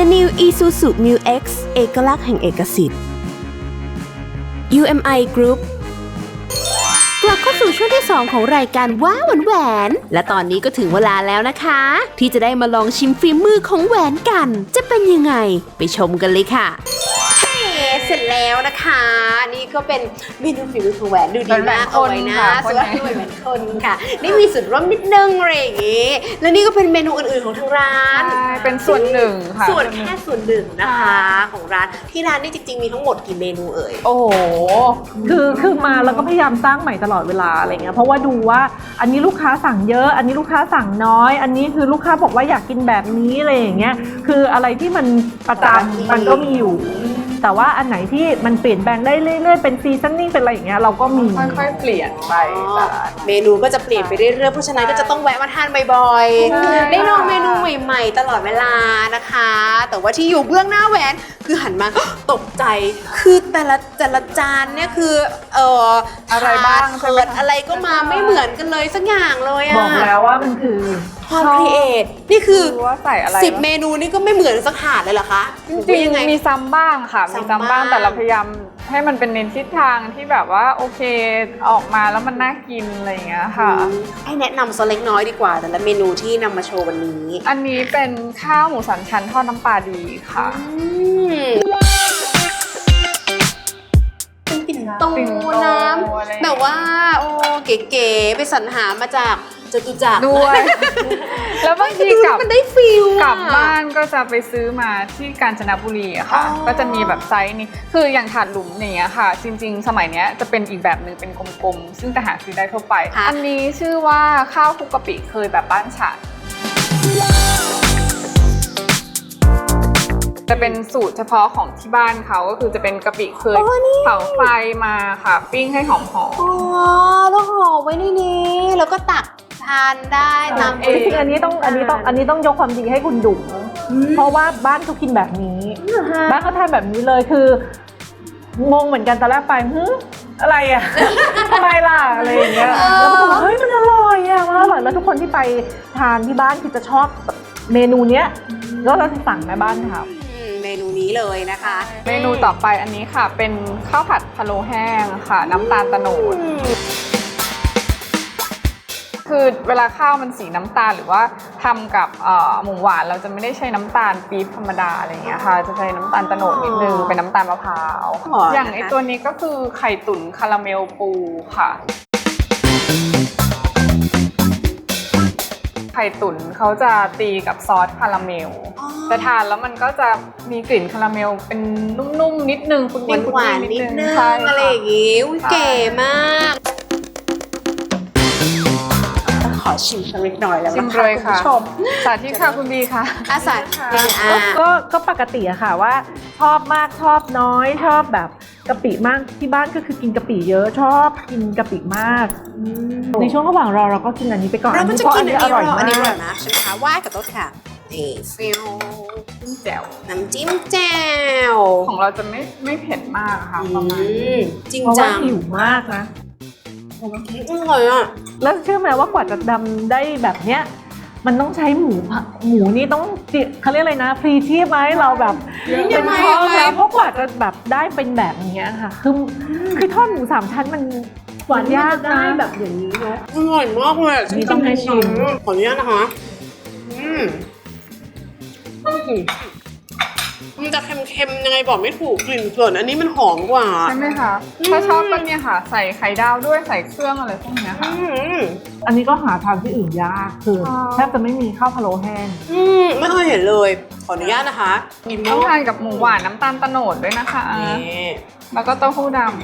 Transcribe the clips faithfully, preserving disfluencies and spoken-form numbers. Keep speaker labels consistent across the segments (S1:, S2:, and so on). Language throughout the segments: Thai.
S1: The New Isuzu Mu X เอกลักษณ์แห่งเอกสิทธิ์ ยู เอ็ม ไอ Group กลับเข้าสู่ช่วงที่สองของรายการว้าวแหวนและตอนนี้ก็ถึงเวลาแล้วนะคะ ที่จะได้มาลองชิมฝีมือของแหวนกันจะเป็นยังไงไปชมกันเลยค่ะเสร็จแล้วนะคะนี่ก็เป็นเมนูฝีมือของแหวนดูดีมากเอาไว้นะสวยด้วยแหวนคนค่ะนี่มีส่วนร่วมนิดนึงอะไรอย่างงี้แล้วนี่ก็เป็นเมนูอื่นๆของทางร้าน
S2: เป็นส่วนหนึ่งค่ะ
S1: ส่วนแค่ส่วนหนึ่งนะคะของร้านที่ร้านนี่จริงๆมีทั้งหมดกี่เมนูเอ่ย
S2: โอ้โห
S3: คือคือมาแล้วก็พยายามสร้างใหม่ตลอดเวลาอะไรเงี้ยเพราะว่าดูว่าอันนี้ลูกค้าสั่งเยอะอันนี้ลูกค้าสั่งน้อยอันนี้คือลูกค้าบอกว่าอยากกินแบบนี้อะไรอย่างเงี้ยคืออะไรที่มันประจำมันก็มีอยู่แต่ว่าอันไหนที่มันเปลี่ยนแปลงได้เรื่อยๆเป็นซีซันนิ่งเป็นอะไรอย่างเงี้ยเราก็มี
S2: ค่อยๆเปลี่ยนไป
S1: เมนูก็จะเปลี่ยนไปเรื่อยๆเพราะฉะนั้นก็จะต้องแวะมาทานบ่อยๆได้ลองเมนูใหม่ๆตลอดเวลานะคะแต่ว่าที่อยู่เบื้องหน้าแหวนคือหันมาตกใจคือแต่ละแต่ละจานเนี่ยคือเอ่อ
S2: อะไรบ้าง
S1: เกิดอะไรก็มาไม่เหมือนกันเลยสักอย่างเลยอะ
S3: บอกแล้วว่ามันคือ
S1: ความครีเอทนี่คือ
S2: ว่าใส่อะไร
S1: สิบเมนูนี่ก็ไม่เหมือนสักถาดเลยเหรอคะ
S2: จริงๆมีซ้ำบ้างค่ะมีซ้ำบ้างแต่เราพยายามให้มันเป็นเน้นทิศทางที่แบบว่าโอเคออกมาแล้วมันน่ากินอะไรอย่างเงี้ยค่ะ
S1: ให้แนะนำสักเล็กน้อยดีกว่าแต่ละเมนูที่นำมาโชว์วันนี้
S2: อันนี้เป็นข้าวหมูสันชั้นทอดน้ำปลาดีค่ะ
S1: เป็นปิ่นโตน้ำแบบว่าโอ้เก๋ๆไปสรรหามาจากจตุจักร
S2: ด้วยแล้วบางทีกลับ
S1: มันได้ฟิล
S2: กลับบ้านก็จะไปซื้อมาที่กาญจนบุรีอะค่ะก็จะมีแบบไซส์นี้คืออย่างถาดหลุมอย่างเงี้ยค่ะจริงๆสมัยเนี้ยจะเป็นอีกแบบหนึ่งเป็นกลมๆซึ่งจะหาซื้อได้ทั่วไปอันนี้ชื่อว่าข้าวคลุกกะปิเคยแบบบ้านฉันจะเป็นสูตรเฉพาะของที่บ้านเขาก็คือจะเป็นกะปิเคยเผาไฟมาค่ะปิ้งให้หอมๆอ๋อ
S1: แล้วห่อไว้ในนี้แล้วก็ตักทานได้ตาม
S3: เองจริงๆอันนี้ต้องอันนี้ต้องอันนี้ต้องยกความดีให้คุณดุ๋มเพราะว่าบ้านเขากินแบบนี้บ้านเขาทานแบบนี้เลยคืองงเหมือนกันตอนแรกไปฮึอะไรอ่ะทำไมล่ะอะไรอย่างเงี้ยแล้วก็บอกเฮ้ยมันอร่อยอ่ะมันอร่อยแล้วทุกคนที่ไปทานที่บ้านคือจะชอบเมนูเนี้ยแล้วเราจะสั่งแม่บ้านทำ
S1: เมนูนี้เลยนะคะ
S2: เมนูต่อไปอันนี้ค่ะเป็นข้าวผัดพะโล้แห้งค่ะน้ำตาลโตนดคือเวลาข้าวมันสีน้ำตาลหรือว่าทำกับหมูหวานเราจะไม่ได้ใช้น้ำตาลปี๊บธรรมดาอะไรอย่างเงี้ยค่ะจะใช้น้ำตาลโตนดนิดนึงเป็นน้ำตาลมะพร้าวอย่างไอตัวนี้ก็คือไข่ตุ๋นคาราเมลปูค่ะไข่ตุ๋นเขาจะตีกับซอสคาราเมลแต่ทานแล้วมันก็จะมีกลิ่นคาราเมลเป็นนุ่มๆนิดนึงคุณ
S1: หวานๆนิดนึงอะไรอย่างงี้เก๋มากขอชิมสักเล็กน้อยแล้วนะคะคุณผู้ชม
S2: สาธิตค่ะคุณบีค่ะ
S1: อาสา
S3: ก็ก็ปกติอะค่ะว่าชอบมากชอบน้อยชอบแบบกะปิมากที่บ้านก็คือกินกะปิเยอะชอบกินกะปิมากในช่วงระหว่างรอเราก็กินอันนี้ไปก่อน
S1: เราก็จะกินอันนี้อร่อยมากอันนี้อร่อยนะใช่ไหมคะว่ากับต้นค่ะนี่ฟิล
S2: จิ้มแจ่ว
S1: น้ำจิ้มแจ่ว
S2: ของเราจะไม่ไม่เผ็ดมากค่ะประมาณ
S1: จริงจัง
S3: หิวมากนะ
S1: อร่อยอ่ะ
S3: แล้วเชื่อไหมว่ากว่าจะดำได้แบบเนี้ยมันต้องใช้หมูหมูนี่ต้องเขาเรียกอะไรนะฟรีชีพไหมเราแบบเป็นทอดแล้วเพราะกว่าจะแบบได้เป็นแบบนี้ค่ะคือคือทอดหมูสามชั้นมันหวานยากนะแบบอย่างนี้เนาะ
S1: อร่อยมากเลย
S3: นี่ต้องให้ชิม
S1: ขออนุญาตนะคะอืมมันจะเค็มๆยังไงบอกไม่ถูกกลิ่นส่วนอันนี้มันหอมกว่า
S2: ใช่ไหมคะถ้าชอบก็เนี่ยค่ะใส่ไข่ดาวด้วยใส่เครื่องอะไรพวกนี้ค่ะ
S3: อันนี้ก็หาทานที่อื่นยากคือแทบจะไม่มีข้าวพะโล้แห้ง
S1: อืมไม่เคยเห็นเลยขออนุญาตนะคะ
S2: ต้องทานกับหมูหวานน้ำตาลโตนดด้วยนะคะแล้วก็เต้าหู้ดำ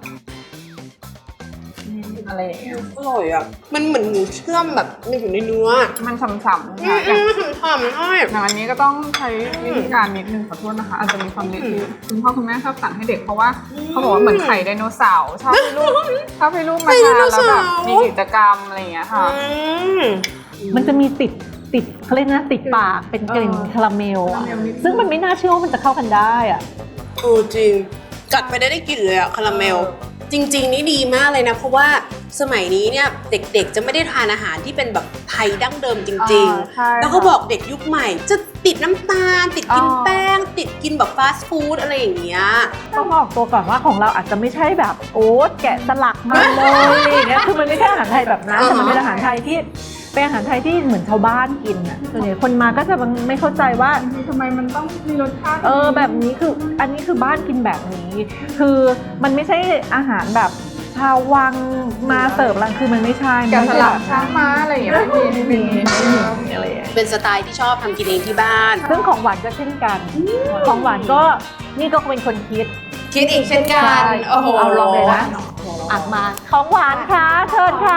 S2: อะไรอย่างเงี้ย
S1: อร่อยอ่ะมันเหมือนหมูเชื่อมแบบมันอยู่ในเนื้อ
S2: มันฉ่ำๆค่ะ
S1: อย่างฉ่ำๆใช่
S2: อย่างอันนี้ก็ต้องใช้วิธีการนิดนึงขอโทษนะคะอาจจะมีความเละที่คุณพ่อคุณแม่ชอบสั่งให้เด็กเพราะว่าเขาบอกว่าเหมือนไข่ไดโนเสาร์ชอบให้ลูกชอบให้ลูกมาทานแล้วแบบมีกิจกรรมอะไรอย่างเงี้ยค่ะ
S3: มันจะมีติดติดเขาเรียกนะติดปากเป็นกลิ่นคาราเมลซึ่งมันไม่น่าเชื่อว่ามันจะเข้ากันได้อ่ะ
S1: โอ้จริงกัดไปได้ได้กลิ่นเลยอะคาราเมลจจริงๆนี่ดีมากเลยนะเพราะว่าสมัยนี้เนี่ยเด็กๆจะไม่ได้ทานอาหารที่เป็นแบบไทยดั้งเดิมจริง
S2: อ่าใช่
S1: ๆ แล้วเขาบอกเด็กยุคใหม่ จะติดน้ำตาล ติดกิน
S2: อ๋อ
S1: แป้ง ติดกินแบบฟาสต์ฟู้ดอะไรอย่างเงี้ย
S3: ต้องบอกตัวก่อนว่าของเราอาจจะไม่ใช่แบบโอ๊ตแกะสลักมาเลยอย่างเงี้ยคือมันไม่ใช่อาหารไทยแบบนั้นแต่มันเป็นอาหารไทยที่เป็นอาหารไทยที่เหมือนชาวบ้านกินอ่ะส่วนใหญ่คนมาก็จะไม่เข้าใจว่า
S2: ทำไมมันต้องมีรสชาติ
S3: เออแบบนี้คืออันนี้คือบ้านกินแบบนี้ คือมันไม่ใช่อาหารแบบชาววังมาเสิร์ฟรังคือมันไม่ใช่
S2: แกะสลัก
S3: มัน
S2: ช้างม้าอะไรอย่างเงี้ยไม่มี
S3: ไม่มีไม่มีอะไรอย่างเงี้ย
S1: เป็นสไตล์ที่ชอบทำกินเองที่บ้าน
S3: ซึ่งของหวานก็เช่นกัน ของหวานก็นี่ก็เป็นคนคิด
S1: คิดอีกเช่นกัน
S3: ใช่
S1: โอ้โห
S3: เอาลองเลยนะอักมาของหวานค่ะเชิญค่ะ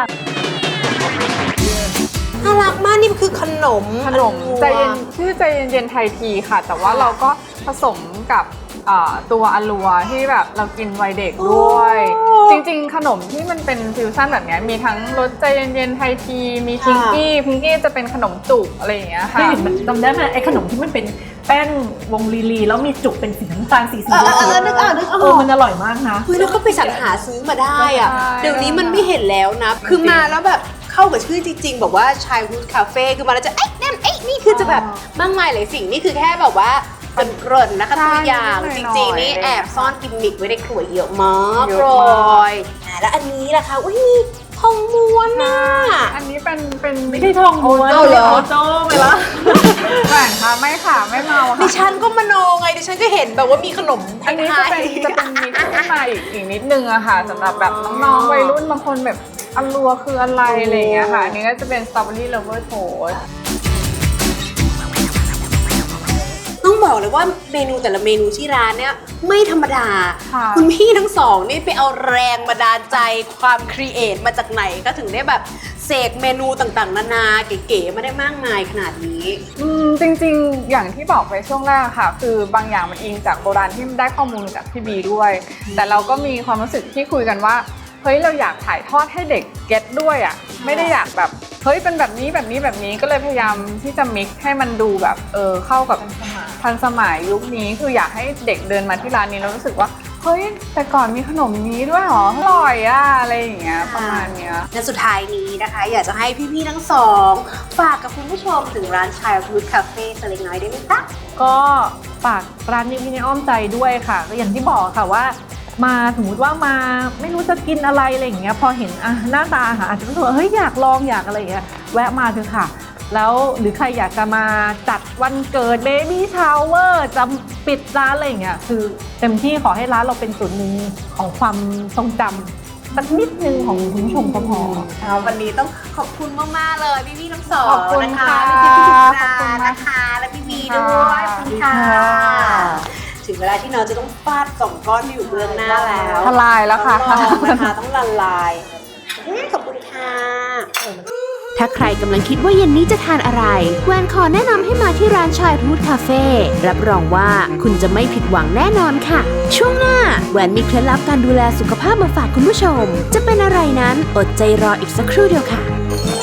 S1: น่ารักมากนี่คือขนม
S2: ขนมใจเย็นชื่อใจเย็นๆไทยทีค่ะ แต่ว่าเราก็ผสมกับอ่าตัวอลัวที่แบบเรากินวัยเด็กด้วย จริงๆ ขนมที่มันเป็นฟิวชั่นแบบเนี้ยมีทั้งรสใจเย็นๆไทยทีมีพิงกี้พิงกี้จะเป็นขนมจุกอะไรอย่างเงี้ย
S3: เค
S2: ค่ะ
S3: ยเห็นมันจำได้ไหมไอ้ขนมที่มันเป็นแป้งวงลีลีแล้วมีจุกเป็นสีน้ำตาลสีสี
S1: เออเออเออนึกออกนึกอ
S3: เอ
S1: อ
S3: อก มันอร่อยมากนะ
S1: เฮ้ยแล้วก็ไปสรรหาซื้อมาได้อะ
S2: ใช่
S1: เดี๋ยวนี้มันไม่เห็นแล้วนะ คือมาแล้วแบบเข้ากับชื่อจริงๆบอกว่าชายฮูดคาเฟ่คือมาแล้วจะเอ๊ะนั่นเอ๊ะนี่คือจะแบบมากมายหลายสิ่งนี่คือแค่แบบว่าเป็นเกริ่นนะคะตัวอย่างจริงๆนี่แอบซ่อนกิมมิคไว้ในขวดเยอะมาก
S2: เย
S1: เล
S2: อะมาก
S1: ยอ่ะแล้วอันนี้ล่ะคะอุ้ยมีทองม้วนน่ะ
S2: อันนี้เป็นเป็น
S3: ไม่ใช่ทองม้วน
S1: เอาเหรอ
S3: โอโจ้ไปละ
S2: แหวนค่ะไม่ค่ะไม่เมา
S1: ดิ
S2: ค่ะ
S1: ฉันก็มโนไงดิฉันก็เห็นแบบว่ามีขนมไท
S2: อันนี้จะ
S1: ย
S2: เป็นจะเป็นมิกซ์ขึ้นมาอีกอีกนิดนึงอะค่ะสำหรับแบบน้องๆวัยรุ่นบางคนแบบอลัวคืออะไรอะไรอย่างเงี้ยค่ะอันนี้ก็จะเป็นสตรอเบอรี่เลเวอร์โทส
S1: ต้องบอกเลยว่าเมนูแต่ละเมนูที่ร้านเนี่ยไม่ธรรมดา
S2: ค่ะ
S1: คุณพี่ทั้งสองนี่ไปเอาแรงบันดาลใจความครีเอทมาจากไหนก็ถึงได้แบบเสกเมนูต่างๆ นานาเก๋ๆมาได้มากมายขนาดนี้
S2: อืมจริงๆ อย่างที่บอกไปช่วงแรกค่ะ คือบางอย่างมันอิงจากโบราณที่ได้ข้อมูลจากพี่บีด้วย แต่เราก็มีความรู้สึกที่คุยกันว่าเฮ้ยเราอยากถ่ายทอดให้เด็กเก็ตด้วยอ่ะไม่ได้อยากแบบเฮ้ยเป็นแบบนี้แบบนี้แบบนี้ก็เลยพยายามที่จะมิกซ์ให้มันดูแบบเออเข้ากับทันสมัยยุคนี้คืออยากให้เด็กเดินมาที่ร้านนี้แล้วรู้สึกว่าเฮ้ยแต่ก่อนมีขนมนี้ด้วยเหรออร่อยอ่ะอะไรอย่างเงี้ยประมาณเนี้ย
S1: และสุดท้ายนี้นะคะ อยากจะให้พี่ๆทั้งสองฝากกับคุณผู้ชมถึงร้าน Childhood Cafe สักเล็กน้อยได้ไหมคะ
S3: ก็ฝากร้านนี้พี่ในอ้อมใจด้วยค่ะก็อย่างที่บอกค่ะว่ามาสมมติว่ามาไม่รู้จะกินอะไรอะไรอย่างเงี้ยพอเห็นอ่ะหน้าตาอาหารอาจจะรู้สึกว่าเฮ้ยอยากลองอยากอะไรอย่างเงี้ยแวะมาเถอะค่ะ แล้วหรือใครอยากจะมาจัดวันเกิดเบบี้ชาวเวอร์จะปิดร้านอะไรอย่างเงี้ยคือเต็มที่ขอให้ร้านเราเป็นส่วนหนึ่งของความทรงจำสักนิดนึงของคุณผู้ชมก็พอ
S1: เอาวันนี้ต้องขอบคุณมากๆเลยพี่ๆทั้งสอง
S2: ขอบคุณ
S1: นะคะ
S2: ค่ะ
S1: พี่ๆพี่
S2: ขอบคุณ
S1: ๆ
S2: มาก
S1: นะคะและพี่บีด้วยขอบคุณค่ะ ถึงเวลาที่น้องจะต้องฟาดสองก้อนที่อยู่เบื้องหน้าแล้ว
S2: ทลายแล้วค่ะ
S1: ต้องลองนะคะต้องละลายเอ๊ะขอบคุณค่ะ
S4: ถ้าใครกำลังคิดว่าเย็นนี้จะทานอะไรแวนขอแนะนำให้มาที่ร้าน Childhood Cafe รับรองว่าคุณจะไม่ผิดหวังแน่นอนค่ะ ช่วงหน้าแวนมีเคล็ดลับการดูแลสุขภาพมาฝากคุณผู้ชม จะเป็นอะไรนั้นอดใจรออีกสักครู่เดียวค่ะ